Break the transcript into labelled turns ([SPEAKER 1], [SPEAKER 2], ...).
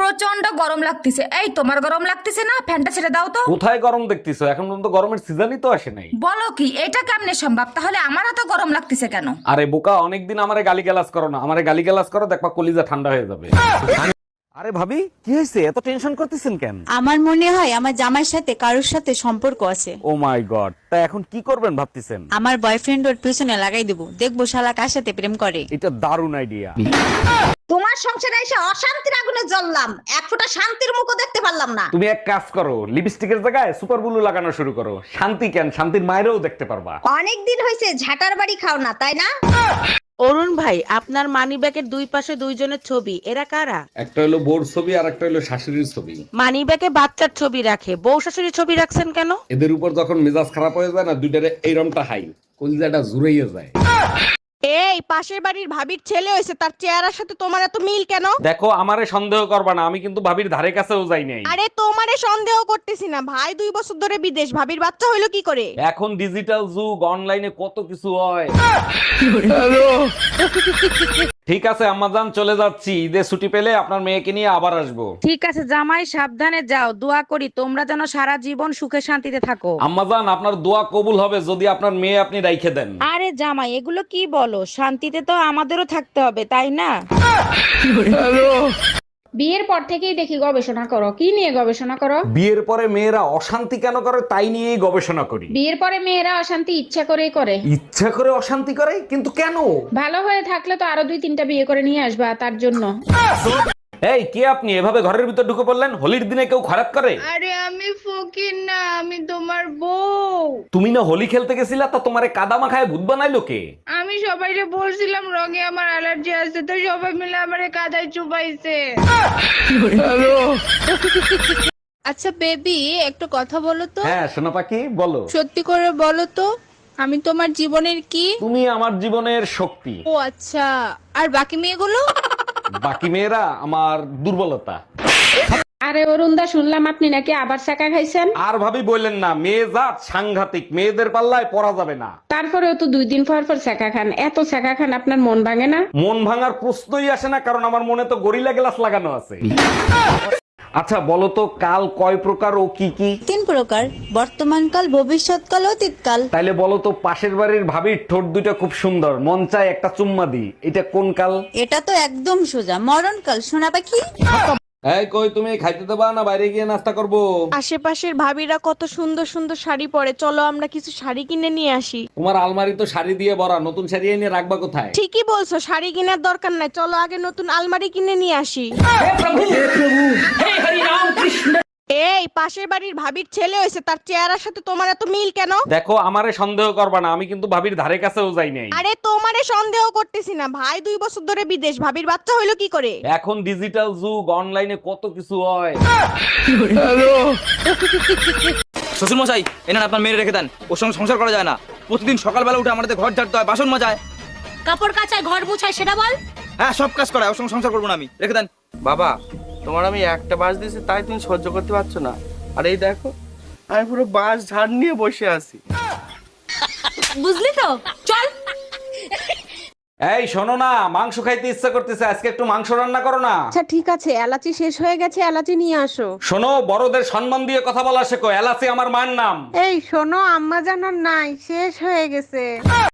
[SPEAKER 1] প্রচন্ড গরম লাগতেছে। এই তোমার গরম লাগতেছে না? ফ্যানটা ছেড়ে দাও তো।
[SPEAKER 2] কোথায় গরম দেখতেছো? এখন পর্যন্ত গরমের সিজনই তো আসে নাই।
[SPEAKER 1] বলো কি, এটা কেমনে সম্ভব? তাহলে আমার এত গরম লাগতেছে কেন?
[SPEAKER 2] আরে বোকা, অনেকদিন আমারে গালিগালাজ করো না। আমারে গালিগালাজ করো, দেখবা কলিজা ঠান্ডা হয়ে যাবে। আরে ভাবি, কি হয়েছে? এত টেনশন করতেছেন কেন?
[SPEAKER 3] আমার মনে হয় আমার জামাইয়ের সাথে কারোর সাথে সম্পর্ক আছে।
[SPEAKER 2] ও মাই গড, তা এখন কি করবেন ভাবতেছেন?
[SPEAKER 3] আমার বয়ফ্রেন্ড ওর পিছনে লাগাই দেবো, দেখবো শালা কার সাথে প্রেম করে।
[SPEAKER 2] এটা দারুণ আইডিয়া।
[SPEAKER 4] তোমার সংসারে এসে অশান্তির আগুনে জ্বললাম, এক ফোঁটা শান্তির মুখও দেখতে পারলাম না।
[SPEAKER 2] তুমি এক কাজ করো, লিপস্টিকের জায়গায় সুপার ব্লু লাগানো শুরু করো। শান্তি কেন, শান্তির মায়েরও দেখতে পারবা।
[SPEAKER 4] অনেক দিন হয়েছে ঝাটার বাড়ি খাও না, তাই না?
[SPEAKER 5] অরুণ ভাই, আপনার মানিব্যাগের দুই পাশে দুইজনের ছবি, এরা কারা?
[SPEAKER 2] একটা হলো বোর ছবি আর একটা হলো শাশুড়ির ছবি।
[SPEAKER 5] মানিব্যাগে বাচ্চার ছবি রাখে, বউ শাশুড়ির ছবি রাখছেন কেন?
[SPEAKER 2] এদের উপর যখন মেজাজ খারাপ হয়ে যায় না, দুইটারে এইরমটা হাই, কলিজাটা জুড়াইয়া যায়।
[SPEAKER 5] এই পাশের বাড়ির ভাবির ছেলে হয়েছে, তার চেহারার সাথে তোমার এত মিল কেন?
[SPEAKER 2] দেখো, আমারে সন্দেহ করবা না, আমি কিন্তু ভাবির ধারে কাছেও যাই নাই।
[SPEAKER 5] আরে তোমারে সন্দেহ করতেছি না, ভাই 2 বছর ধরে বিদেশ, ভাবির বাচ্চা হইলো কি করে?
[SPEAKER 2] এখন ডিজিটাল যুগ, অনলাইনে কত কিছু হয়। ঠিক আছে আম্মাজান, চলে যাচ্ছি। ঈদে ছুটি পেলে আপনার মেয়েকে নিয়ে আবার আসবো।
[SPEAKER 5] ঠিক আছে জামাই, সাবধানে যাও, দোয়া করি তোমরা যেন সারা জীবন সুখে শান্তিতে থাকো।
[SPEAKER 2] আম্মাজান, আপনার দোয়া কবুল হবে যদি আপনার মেয়ে আপনি রাইখে দেন।
[SPEAKER 5] আরে জামাই, এগুলো কি বলো? শান্তিতে তো আমাদেরও থাকতে হবে, তাই না?
[SPEAKER 6] বিয়ের পর থেকেই দেখি গবেষণা করো। কি নিয়ে গবেষণা করো?
[SPEAKER 2] বিয়ের পরে মেয়েরা অশান্তি কেন করে তাই নিয়েই গবেষণা করি।
[SPEAKER 6] বিয়ের পরে মেয়েরা অশান্তি ইচ্ছা করেই করে।
[SPEAKER 2] ইচ্ছা করে অশান্তি করে, কিন্তু কেন?
[SPEAKER 6] ভালো হয়ে থাকলে তো আরো 2-3টা বিয়ে করে নিয়ে আসবা, তার জন্য।
[SPEAKER 2] এই কে আপনি? এভাবে ঘরের ভিতর ঢুকে পড়লেন? হোলির দিনে কেউ খারাপ করে?
[SPEAKER 6] আরে আমি ফকির না, আমি তোমার বউ।
[SPEAKER 2] তুমি না হোলি খেলতে গেছিলা, তা তোমারে কাদা মাখায় ভূত বানাইলো কে?
[SPEAKER 6] আমি সবাইকে বলছিলাম রঙে আমার অ্যালার্জি আছে, তো সবাই মিলে আমারে কাদায় চুবাইছে।
[SPEAKER 7] আচ্ছা বেবি, একটু কথা বলো তো।
[SPEAKER 2] হ্যাঁ সোনা পাখি, বলো।
[SPEAKER 7] সত্যি করে বলো তো, আমি তোমার জীবনের কি?
[SPEAKER 2] তুমি আমার জীবনের শক্তি।
[SPEAKER 7] ও আচ্ছা, আর বাকি মেয়েগুলো?
[SPEAKER 2] বাকি মেয়েরা আমার দুর্বলতা।
[SPEAKER 6] আরে অরুণদা, শুনলাম আপনি নাকি আবার চাকা খাইছেন।
[SPEAKER 2] আর ভাবি বললেন না, মেয়ে জাত সাংঘাতিক, মেয়েদের পাল্লায় পড়া যাবে না।
[SPEAKER 6] তারপরেও তো 2 দিন পর পর চাকা খান, এত চাকা খান আপনার মন ভাঙে না?
[SPEAKER 2] মন ভাঙার প্রশ্নই আসে না, কারণ আমার মনে তো গরিলা গ্লাস লাগানো আছে। আচ্ছা বলো তো, কাল কয় প্রকার ও কি কি?
[SPEAKER 3] 3 প্রকার, বর্তমানকাল, ভবিষ্যৎকাল, অতীতকাল।
[SPEAKER 2] তাইলে বলো তো, পাশের বাড়ির ভাবির ঠোঁট দুটো খুব সুন্দর, মন চায় একটা চুম্মা দি, এটা কোন কাল?
[SPEAKER 3] এটা তো একদম সোজা, মরণকাল। শোনা পাখি,
[SPEAKER 2] এই কই, তুমি খাইতে দেবা না বাইরে গিয়ে নাস্তা করবো?
[SPEAKER 5] আশেপাশের ভাবিরা কত সুন্দর সুন্দর শাড়ি পরে, চলো আমরা কিছু শাড়ি কিনে নিয়ে আসি।
[SPEAKER 2] তোমার আলমারি তো শাড়ি দিয়ে ভরা, নতুন শাড়ি এনে রাখবা কোথায়?
[SPEAKER 5] ঠিকই বলছো, শাড়ি কেনার দরকার নাই, চলো আগে নতুন আলমারি কিনে নিয়ে আসি। এই পাশের বাড়ির ভাবির ছেলে হয়েছে, তার চেহারার সাথে তোমার এত মিল কেন?
[SPEAKER 2] দেখো, আমারে সন্দেহ করবা না, আমি কিন্তু ভাবির ধারে কাছেও যাই নাই।
[SPEAKER 5] আরে তোমারে সন্দেহ করতেছি না, ভাই 2 বছর ধরে বিদেশ, ভাবির বাচ্চা হইলো কি করে?
[SPEAKER 2] এখন ডিজিটাল যুগ, অনলাইনে কত কিছু হয়।
[SPEAKER 8] শ্বশুর মশাই, এনার আপনার মেয়ে রেখে দেন, ওর সঙ্গে সংসার করা যায় না। প্রতিদিন সকালবেলা উঠে আমাদের ঘর ঝাড়তে হয়, বাসন মাজায়,
[SPEAKER 4] কাপড় কাচায়, ঘর মুছায়, সেটা বল।
[SPEAKER 8] হ্যাঁ সব কাজ করায়, ওর সঙ্গে সংসার করবো না আমি, রেখে দেন।
[SPEAKER 9] বাবা, তোমার আমি একটা বাস দিয়েছি তাই তুমি সহ্য করতে পারছো না। আর এই দেখো, আমি পুরো বাস ঝাড় নিয়ে বসে আছি।
[SPEAKER 4] বুঝলি তো, চল।
[SPEAKER 2] এই শোনো না, মাংস খাইতে ইচ্ছা করতেছে, আজকে একটু মাংস রান্না করো না।
[SPEAKER 6] আচ্ছা ঠিক আছে, এলাচি শেষ হয়ে গেছে, এলাচি নিয়ে আসো।
[SPEAKER 2] শোনো, বড়দের সম্মান দিয়ে কথা বলা শেখো, এলাচি আমার মায়ের নাম।
[SPEAKER 6] এই শোনো, আম্মা জানার নাই, শেষ হয়ে গেছে।